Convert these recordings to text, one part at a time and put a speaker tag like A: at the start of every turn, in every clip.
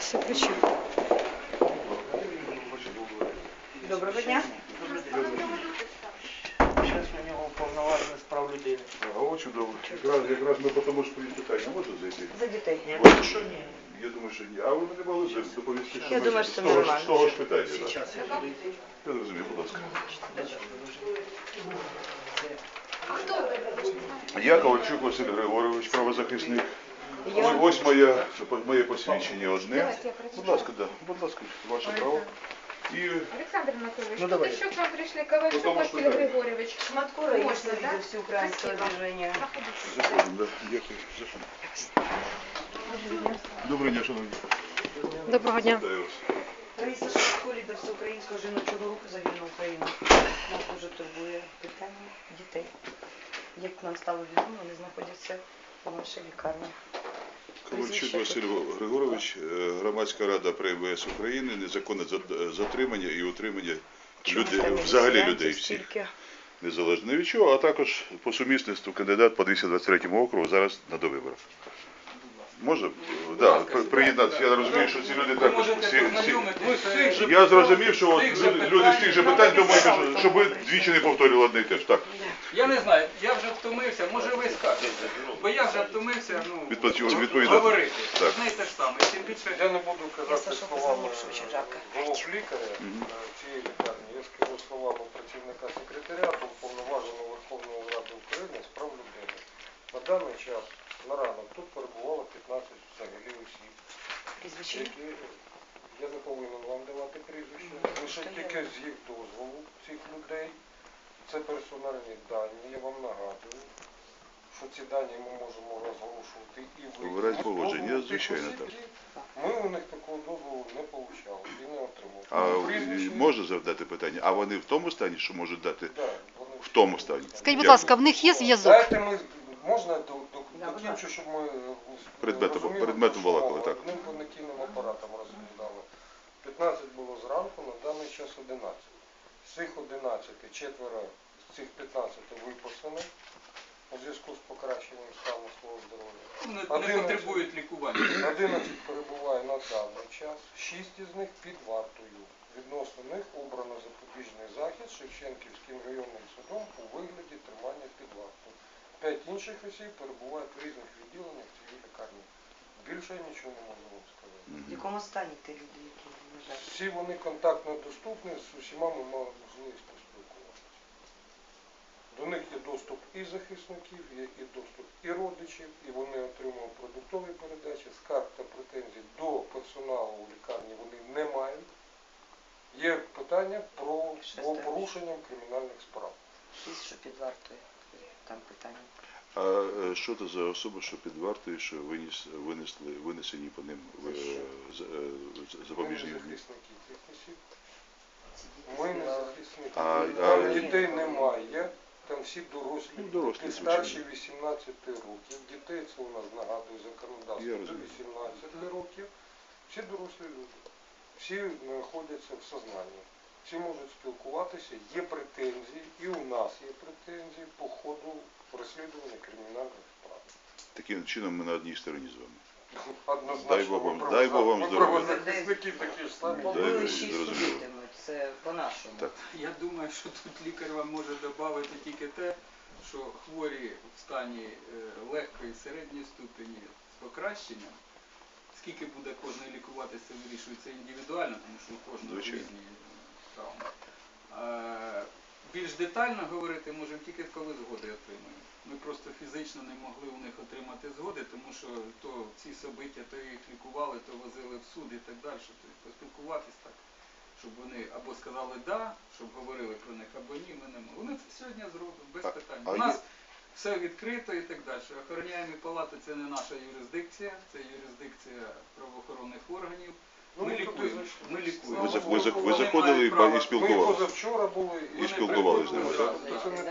A: все включив.
B: Доброго дня.
C: Зараз у нього повноваження з прав людини.
D: О, чудово. Якраз ми по тому ж питання можна зайти?
B: За дітей.
C: Я що ні.
D: Я думаю, що ні. А ви не могли доповісти, що
B: Я
D: ми
B: думаю, що це нормально.
D: з того ж питання. так?
C: Зараз я буду йти.
D: Я зрозумів, будь ласка. Я Ковальчук Василь Григорович, правозахисник. Ось моє посвідчення одне. Будь ласка, да. Будь ласка, ваше право. І
E: Александр Анатольевич,
C: Ну,
E: тут
C: давай.
E: еще к вам пришли Ковальчук
D: Потому
E: Василий
D: что да.
E: Григорьевич.
B: Шматкура є
E: Можна, да?
B: лідер всеукраїнського
E: Спасибо.
B: движення.
E: Проходите.
D: заходимо, да. Дякую. Заходимо. Доброго дня, шановні.
A: Доброго дня.
D: Вітаю вас.
B: Раїса Шматко, лідер всеукраїнського жіночого руху за вільну Україну. Нас дуже турбує питання дітей. Як нам стало відомо, вони знаходяться у нашій лікарні.
D: Ковальчук Василь Григорович, Громадська рада при МВС України, незаконне затримання і утримання взагалі людей всіх, незалежно від чого, а також по сумісництву кандидат по 223 округу зараз на довиборах. Можна? Да, приєднатися. Я розумію, що ці люди також всі. Я зрозумів, що от люди з тих же питань думають, щоб ви двічі не повторювали одне і те ж. Так.
F: Я не знаю, я вже втомився, може ви скажете, бо я вже втомився,
D: Відповідати.
F: говорити.
D: Так.
F: Одне і те ж саме. Тим більше,
G: Я не буду казати
B: Саша
G: словами
B: позвонив, що очень жарко.
G: голов лікаря цієї лікарні. Я скажу словами працівника секретаріату Уповноваженого Верховної Ради України з прав людини. На даний час, на ранок, тут перебувало 15 взагалі осіб,
B: Прізвище?
G: які, я не повинен вам давати прізвище, лише тільки з їх дозволу цих людей. Це персональні дані, я вам нагадую, що ці дані ми можемо розголошувати і ви.
D: В разі положення, звичайно, так.
G: Ми у них такого дозволу не отримали і не отримали.
D: А
G: Прізвище-
D: можна завдати питання? А вони в тому стані, що можуть дати?
G: Да, вони-
D: В тому стані.
A: Скажіть, будь ласка, в них є зв'язок?
G: Дайте ми, можна докінчу, щоб ми
D: Предметом
G: розуміли,
D: балакали, так.
G: одним понятійним апаратом розглядали. 15 було зранку, на даний час 11. З цих 11 четверо з цих 15 виписані у зв'язку з покращенням стану свого здоров'я.
F: не потребують лікування.
G: 11 перебуває на даний час, 6 із них під вартою. Відносно них обрано запобіжний захід Шевченківським районним судом у вигляді тримання під вартою. 5 інших осіб перебувають в різних відділеннях цієї лікарні. Більше я нічого не можу вам сказати.
B: В якому стані ті люди, які лежать?
G: Всі вони контактно доступні, з усіма ми мали можливість поспілкуватися. До них є доступ і захисників, є і доступ і родичів, і вони отримують продуктові передачі, скарг та претензій до персоналу у лікарні вони не мають. Є питання про порушення кримінальних справ.
B: 6, що під вартою. Там питання.
D: А що це за особи, що під вартою, що винесені по ним запобіжні?
G: Ми не захисники цих осіб. Ми не захисники.
D: А
G: Там дітей немає. Там всі дорослі,
D: дорослі,
G: від старші 18 років. Дітей це у нас, нагадую, законодавство
D: Я
G: до
D: розумію.
G: 18 років. Всі дорослі люди. Всі знаходяться в сознанні. Всі можуть спілкуватися, є претензії, і у нас є претензії по ходу розслідування кримінальних справ.
D: Таким чином ми на одній стороні з вами.
G: Однозначно,
D: дай Бог вам
G: ми
D: здоров'я.
G: правозахисники такі ж самі.
B: Побили 6
D: зрозуміло.
B: судитимуть, це по-нашому.
D: Так.
F: Я думаю, що тут лікар вам може додати тільки те, що хворі в стані легкої середньої ступені з покращенням, скільки буде кожен лікуватися, вирішується індивідуально, тому що у кожного
D: Звичайно.
F: різні травми. Більш детально говорити можемо тільки коли згоди отримаємо. Ми просто фізично не могли у них отримати згоди, тому що то ці собиття, то їх лікували, то возили в суд і так далі. Тобто поспілкуватись так, щоб вони або сказали «да», щоб говорили про них, або «ні», ми не могли. Вони це сьогодні зроблять, без питань. У нас все відкрито і так далі. Охороняємі палати – це не наша юрисдикція, це юрисдикція правоохоронних органів. Ми лікуємо. Ми лікуємо.
D: Ви заходили і
G: Ми
D: спілкувалися.
G: позавчора були
D: І спілкувалися з ними, так?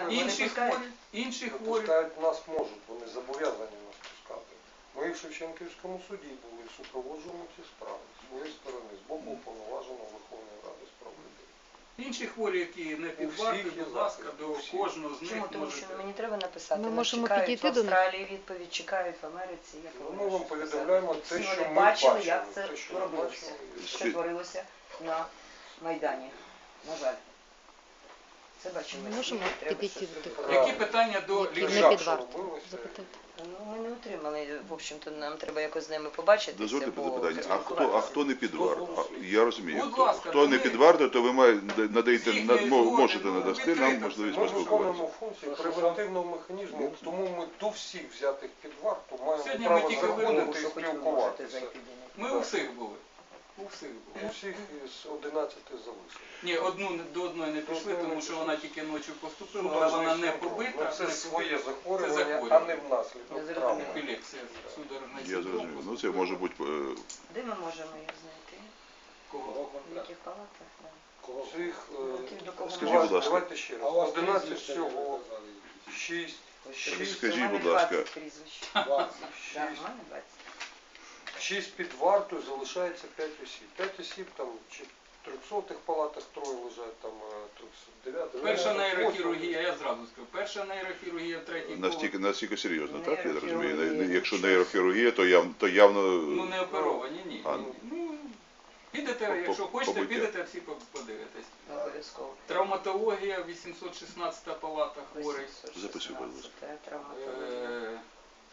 F: Інші хворі.
G: Пускають нас можуть, вони зобов'язані нас пускати. Ми в Шевченківському суді були і супроводжуємо ці справи з своєї сторони, з боку Уповноваженого Верховної Ради з прав людини.
F: Інші хворі, які не під
G: всіх
F: вартою,
G: є
F: будь ласка,
G: захист,
F: до
G: у всіх.
F: кожного з них
B: Чому? Тому
F: можете.
B: що мені треба написати.
A: Ми
B: Нас
A: можемо
B: чекають
A: підійти
B: в
A: до них.
B: Австралії відповідь, чекають в Америці. Як
G: Ну,
B: ви
G: ми вам
B: можете
G: повідомляємо
B: сказати?
G: те,
B: Всі
G: що
B: вони
G: ми
B: бачили,
G: бачили,
B: як це
G: те, що ми
B: робилося,
G: бачили.
B: що творилося на Майдані. На жаль. Це бачили.
A: Ми
B: всі,
A: можемо
B: треба
A: підійти
B: щось
A: до тих,
B: робити.
F: Які питання до
A: які
F: лікарів?
A: не під
G: що
A: вартою?
G: робилося?
A: Запитати.
B: Ну, ми не отримали, в общем-то, нам треба якось з ними побачитися.
D: Дозвольте запитання, а
B: поспілкуватися.
D: хто не під вартою? Я розумію.
F: Будь ласка,
D: Хто не
F: ми-
D: під вартою, то ви надаєте,
F: Всіх не
D: можете
F: згоден,
D: надасти
F: відкрито
D: нам
F: все.
D: можливість
G: Ми
D: поспілкуватися.
G: виконуємо функцію превентивного механізму, тому ми до всіх взятих під варту маємо
F: Сьогодні ми
G: право
F: тільки
G: заходити
F: вибрали,
G: і
B: що хоч ви можете
G: спілкуватися.
B: зайти до них.
F: Ми у всіх були. У всіх були.
G: У всіх із 11 залишили.
F: Ні, до одної не пішли, тому що вона тільки ночі поступила, але
G: Судорожний
F: вона не
G: синдром.
F: побита.
G: Ну, це
F: не
G: своє
F: побита.
G: захворювання,
F: Це
G: а
F: захворювання.
G: не внаслідок
B: Я
G: травми.
B: зрозуміла.
F: Епілепсія, судорожний
D: Я
F: синдром.
D: зрозумів. Ну це може бути
B: Де ми можемо їх знайти?
F: Кого?
B: В яких палатах? Да.
G: Цих,
B: До кого
D: Скажіть,
B: ми
D: будь ласка.
G: давайте ще раз. 11 всього, 6,
D: Скажіть, будь ласка.
B: 20 прізвищ.
G: 20,
B: Да, в мене 20.
G: 6 під вартою, залишається 5 осіб. 5 осіб там чи в 300-х палатах, троє лежать, там 309-х.
F: Перша нейрохірургія, я зразу скажу. Перша нейрохірургія, третій поверх.
D: настільки серйозно, так? Я розумію.
B: Нейрохірургія.
D: Якщо нейрохірургія, то явно
F: Ну не оперовані, ні.
D: А,
F: Ну, підете, якщо хочете,
D: побиття.
F: підете, всі подивитесь.
B: Обов'язково.
F: Травматологія, 816 палата хворий.
D: Записуй, будь ласка.
B: Це травматологія.
F: Е,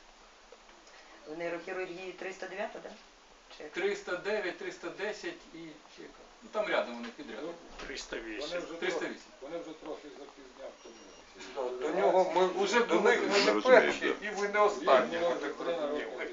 B: В нейрохірургії 309, так? Да? Чи як?
F: 309, 310 і чи яка? Ну там рядом вони підряд.
C: 308.
F: 308.
H: Вони вже трохи запізняв тому.
G: До нього ми
F: Уже
G: до
F: були.
G: них ми не
D: Розумію,
G: перші,
D: да.
G: і ви не останні. ви так розуміли.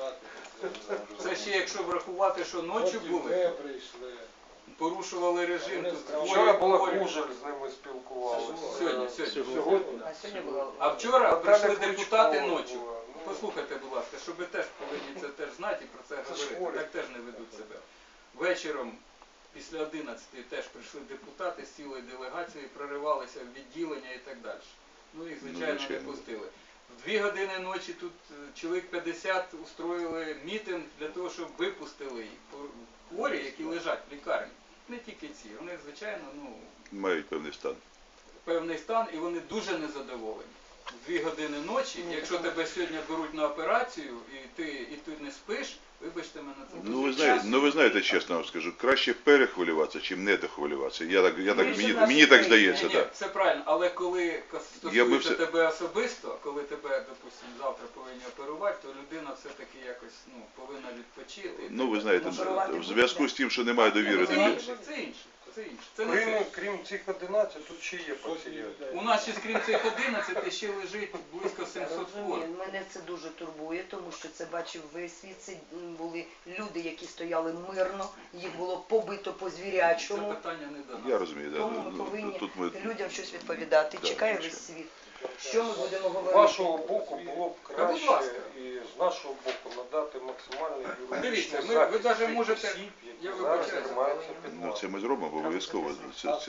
F: Це ще якщо врахувати, що ночі
H: Ви
F: були,
H: прийшли.
F: порушували режим.
H: Вони
F: Тут
H: зразу-
G: Вчора була
F: хворі.
G: Кужель, з ними спілкувалися.
F: Сьогодні.
G: Сьогодні.
B: А сьогодні була...
F: А вчора
G: Наталя
F: прийшли
G: Кличкова
F: депутати ночі.
G: була. Ну,
F: Послухайте, будь ласка, щоб ви теж повинні це теж знати і про це
G: Це ж
F: говорити.
G: хворі.
F: Так теж не ведуть себе. Вечором після 11-ї теж прийшли депутати з цілою делегацією, проривалися в відділення і так далі. Ну їх, звичайно, не
D: звичайно.
F: пустили. В 2 години ночі тут чоловік 50 устроїли мітинг для того, щоб випустили їх. Хворі, які лежать в лікарні. Не тільки ці. Вони, звичайно,
D: мають певний стан.
F: певний стан і вони дуже незадоволені. В 2 години ночі, якщо тебе сьогодні беруть на операцію і ти не спиш, вибачте мене, це дуже
D: Ви знаєте, чесно вам скажу, краще перехвилюватися, чим не дохвилюватися.
B: Більше наших
D: Мені так
B: країн.
D: здається,
F: Ні,
D: так.
F: це правильно, але коли
D: Я би
F: стосується
D: все-
F: тебе особисто, коли тебе, допустимо, завтра повинні оперувати, то людина все-таки якось повинна відпочити.
D: Ну, ви знаєте,
B: Оперувати
D: в зв'язку з тим, що немає довіри до
F: Це
D: людей.
F: інше, це інше. Це інше. Це не це.
G: Крім цих 11, тут ще є пацієнти.
F: У нас ще крім цих 11 ще лежить близько 700 хворих.
B: Розумію, мене це дуже турбує, тому що це бачив весь світ. Це були люди, які стояли мирно, їх було побито по
F: Це
B: звірячому.
F: питання не до нас.
D: Я розумію, да.
B: Тому ми
D: Ну,
B: повинні
D: тут ми
B: людям щось відповідати.
D: Да,
B: Чекає
D: звичайно.
B: весь світ. Що ми будемо
G: З
B: говорити?
G: вашого боку було б
F: Та, будь
G: краще
F: ласка.
G: і з нашого боку надати максимальний
F: Дивіться,
G: юридичний
F: ви
G: захист
F: навіть
G: тих
F: можете-
G: осіб,
F: я
G: які зараз
F: вибачаюся.
G: тримаються під
D: ну, це
G: вартою.
D: ми зробимо обов'язково. Це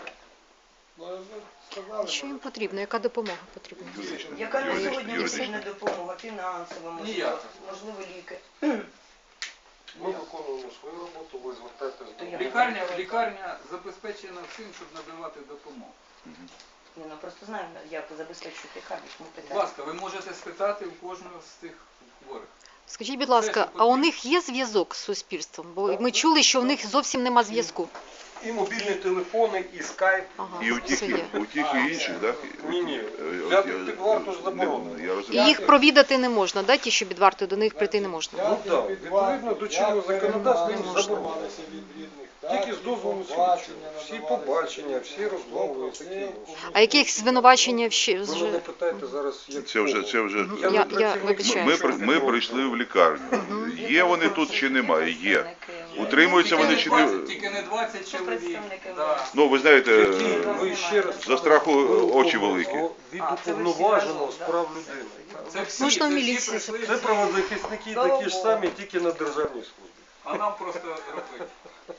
A: Що їм потрібно? Яка допомога потрібна?
B: Яка на
D: юридична-
B: сьогодні
D: юридична.
B: потрібна допомога? Фінансова, можливо,
F: Ніяка.
B: можливо, ліки.
G: Ми виконуємо свою роботу, ви звертайтесь до нас.
F: Лікарня забезпечена всім, щоб надавати допомогу.
B: Ні, ну просто знаємо, як забезпечують лікарні. Тому
F: Будь
B: питання.
F: ласка, ви можете спитати у кожного з цих хворих.
A: Скажіть, будь ласка, а у них є зв'язок з суспільством? Бо ми чули, що у них зовсім нема зв'язку.
G: І мобільні телефони, і скайп.
A: Ага,
D: І у
A: все
D: тих,
A: є.
D: і інших, так?
G: Ні. Взяти під варту ж заборонено.
D: Я
A: І
D: розумію.
A: їх провідати не можна, да? Ті, що під вартою, до них прийти не можна.
G: Ну так, відповідно до чинного законодавства їм заборонено. Тільки з дозволу слідчого. Всі побачення, всі розмови, такі інші.
A: А яких звинувачення
G: Ви мене питаєте зараз, як
D: Це вже
G: Я
A: Я
G: працівник
A: вибачаюсь.
D: ми прийшли в лікарню. Є вони тут чи немає? Є. Утримуються вони чи не.
F: Тільки не 20
B: Що
F: чоловік.
B: представники
F: Да.
D: Ну, ви знаєте,
G: Ви ще раз
D: за страху очі великі.
G: від
B: А, це ви всі
G: уповноваженого
B: разом,
G: з
B: да?
G: прав людини.
F: Це всі,
A: Можна в
F: це всі
A: міліції
F: прийшли,
G: Це
F: всі.
G: правозахисники такі ж самі, тільки на державній службі.
F: А нам просто робити.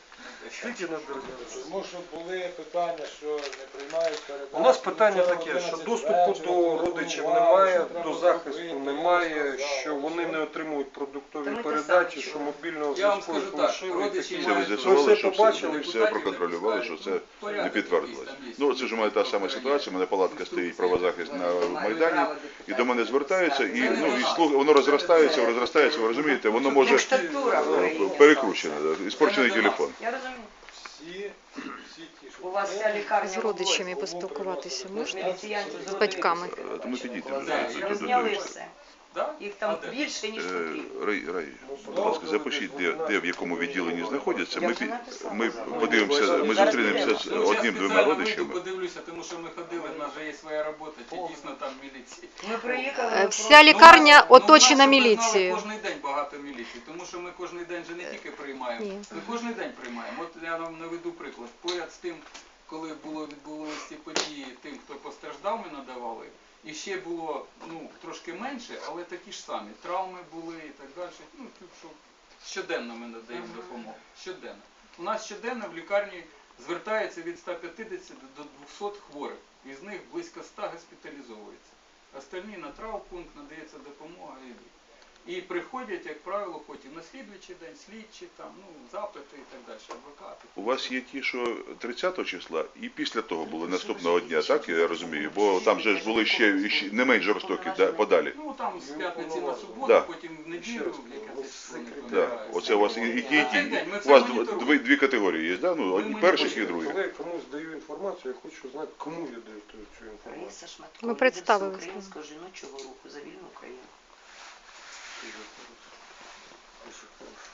F: захищати.
G: Тільки на державі.
H: Тому що були питання, що не приймають передачу.
G: У нас питання
H: нічого,
G: таке, що
H: 11
G: доступу
H: вечора,
G: до родичів
H: телефонували,
G: немає,
H: що треба
G: до захисту
H: зробити,
G: немає,
H: сказали.
G: що вони не отримують
B: Та
G: продуктові
B: ми те
G: передачі,
B: саме
G: що
B: чули.
G: мобільного
F: Я вам
G: зв'язку
F: скажу
G: їх
F: так,
G: лишили.
F: родичі
G: такі.
D: Це ви
F: мають
D: з'ясували,
G: все
D: що
G: побачили,
D: все проконтролювали, що це не підтвердилось. Ну, це ж у мене та сама ситуація, у мене палатка стоїть правозахист на Майдані, і до мене звертаються, і, ну, і воно розростається, ви розумієте, воно може
B: Диктатура в Україні.
D: перекручене, іспорчений телефон.
B: Я розумію.
H: Всі ті, що
B: У вас вся лікарня
A: З
B: в
A: родичами
B: Луговську.
A: поспілкуватися можна?
B: Міліціянців з
A: батьками.
D: Тому підійдемо
B: Розняли
D: до
B: розняли
D: того.
B: все.
F: Да?
B: Їх там
F: А де?
B: більше, ніж потрібно.
D: Рай, будь ласка, запишіть, де в якому відділенні знаходяться.
B: Я
D: Ми,
B: вже написала.
D: ми подивимося, ми
B: Зараз
D: зустрінемося з
F: Ну, зараз
D: одним-двома
F: спеціально вийду,
D: родичами.
F: подивлюся, тому що ми ходили, в нас же є своя робота, чи дійсно там міліція.
B: Ми приїхали.
A: Е,
B: ми
A: Вся
B: просто-
A: лікарня
F: Ну, у нас,
A: оточена
F: щоб ви знали,
A: міліцією.
F: Кожен день багато міліції, тому що ми кожен день же не тільки приймаємо,
A: Ні.
F: ми кожен день приймаємо. От я вам наведу приклад. Поряд з тим, коли відбулися ці події, тим, хто постраждав, ми надавали. І ще було трошки менше, але такі ж самі. Травми були і так далі. Ну, тут що щоденно ми надаємо допомогу. Щоденно. У нас щоденно в лікарні звертається від 150 до 200 хворих. Із них близько 100 госпіталізовується. Остальні на травмпункт надається допомога і йдуть. І приходять, як правило, потім на слідуючий день, слідчі, там, запити і так далі, адвокати.
D: У вас є ті, що 30 числа і після того були наступного дня, так я розумію? Бо там же ж були ще не менш жорстокі подалі.
F: Ну там з п'ятниці на суботу,
D: Да.
F: потім в неділю, яке це число не
D: Да.
F: пам'ятаю.
D: Оце у вас і ті.
F: Ми
D: У
F: це
D: вас
F: моніторуємо.
D: дві категорії є, да? Ну, одні перших і других.
G: Коли я комусь даю інформацію, я хочу знати, кому я даю цю інформацію.
B: Раїса Шматко,
A: Ми
B: лідер
A: представилися.
B: Всеукраїнського жіночого руху за вільну Україну.
G: Дуже хорошо. Дуже хорошо.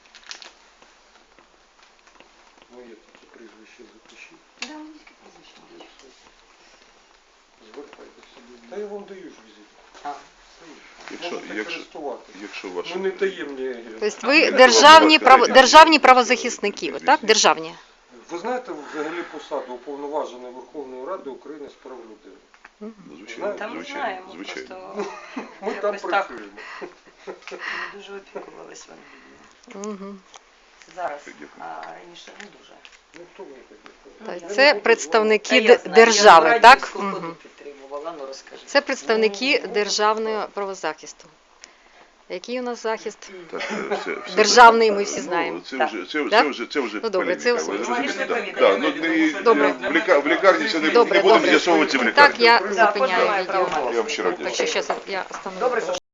G: Моє таке прізвище запишіть.
B: Да, ну, тільки прізвище моє.
G: Звертайтеся. Та я вам даю ж візит.
B: А,
G: Можете користуватися.
D: Якщо ваше...
G: Ну не таємні.
A: Тобто ви державні правозахисники, ви так? Державні.
G: Ви знаєте взагалі посаду уповноваженої Верховної Ради України з прав людини?
D: Ну, звичайно,
B: Та ми
D: звичайно,
B: знаємо,
D: звичайно.
B: просто
G: Ми там
B: якось так
G: працюємо.
B: ми дуже опікувалися вами.
A: Угу.
B: Зараз,
D: Дякую.
B: а раніше не дуже.
G: Ну хто ви такі?
A: Так, це представники
B: Та я знаю,
A: держави,
B: я
A: так?
B: радянську
A: Угу.
B: ходу підтримувала, ну розкажи.
A: Це представники державного правозахисту. Який у нас захист?
D: Так, все.
A: Державний, ми всі знаємо.
D: Це вже
A: Ну, добре, це
D: полеміка. Ви
A: вже-
D: розумієте?
B: Полеміка.
D: Да, ну,
A: Добре.
D: в лікарні це не
A: Добре,
D: будемо
A: добре.
D: з'ясовувати в лікарні.
A: Так, я
B: Да,
A: зупиняю
B: позиваю
A: відео.
B: правомочність.
D: Я вам щиро
A: Так що зараз я остановлю.
B: Добре, що